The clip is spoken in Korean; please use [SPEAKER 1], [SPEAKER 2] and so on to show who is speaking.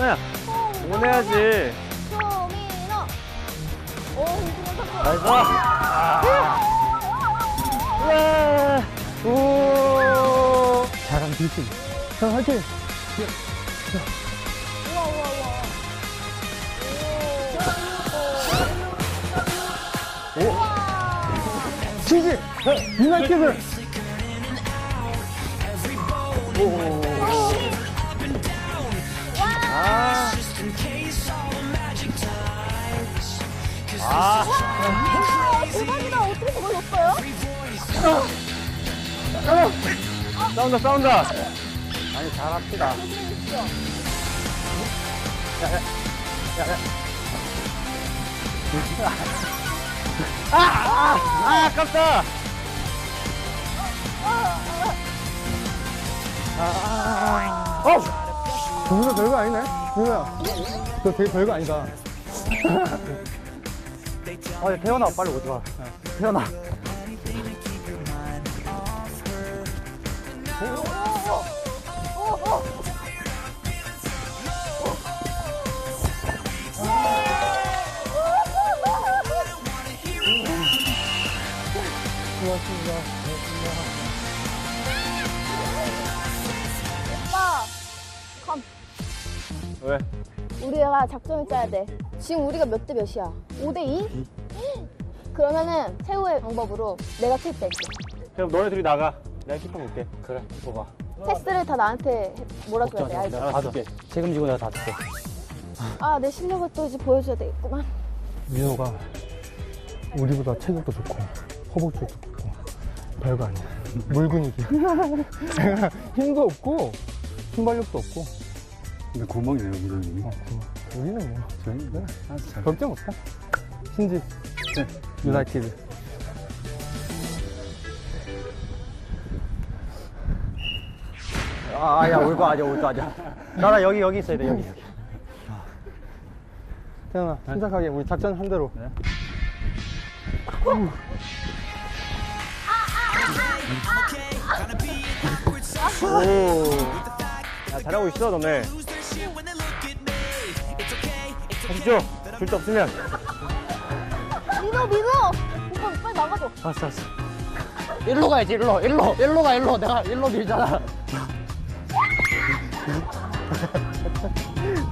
[SPEAKER 1] 민호야. 응원해야지.
[SPEAKER 2] 조민호. 오, 힘들어.
[SPEAKER 1] 나이스. 우와. 오.
[SPEAKER 3] 잘한 뒤지. 형 화이팅.
[SPEAKER 2] 우와, 우와, 우와.
[SPEAKER 3] 치즈. 유나이티드.
[SPEAKER 1] 아. 아.
[SPEAKER 2] 와, 대박이다. 어떻게 저걸 넣었어요?
[SPEAKER 1] 싸운다, 싸운다.
[SPEAKER 3] 아니 잘합시다.
[SPEAKER 1] 아깝다.
[SPEAKER 3] 정민아 별거 아니네. 민호야. 너 되게 별거 아니다.
[SPEAKER 1] 태연아, 빨리 오지 마. 태연아.
[SPEAKER 2] 오빠, 컴.
[SPEAKER 1] 왜?
[SPEAKER 2] 우리가 작전을 짜야 돼. 지금 우리가 몇 대 몇이야? 5대 2? 그러면은 최후의 방법으로 내가 킬게.
[SPEAKER 1] 그럼 너네 둘이 나가. 내가 키퍼 볼게. 그래, 키퍼 봐.
[SPEAKER 2] 패스를 다 나한테 몰아줘야 돼. 알지?
[SPEAKER 1] 다 줄게.
[SPEAKER 3] 책임지고 내가 다 줄게.
[SPEAKER 2] 아, 내 실력을 또 이제 보여줘야 되겠구만.
[SPEAKER 3] 민호가 우리보다 체격도 좋고 허벅지도 좋고 별거 아니야. 물근육이야. 내가 힘도 없고 순발력도 없고.
[SPEAKER 4] 근데 구멍이네요, 무전님이.
[SPEAKER 3] 우리는 뭐
[SPEAKER 4] 저희 네, 알아서 잘.
[SPEAKER 3] 걱정 못해. 신지.
[SPEAKER 4] 네.
[SPEAKER 3] 유나이티드.
[SPEAKER 1] 야, 올 거 아니야, 올 거 아니야. 나랑 여기 있어야 돼, 여기.
[SPEAKER 3] 태연아, 침착하게 우리 작전 한 대로.
[SPEAKER 4] 네.
[SPEAKER 1] 오. 야, 잘하고 있어, 너네. 하시죠. 줄 데 없으면.
[SPEAKER 2] 민호, 민호! 오빠 빨리 나가줘.
[SPEAKER 1] 알았어.
[SPEAKER 3] 일로 가야지, 일로 가, 일로. 내가 일로 밀잖아.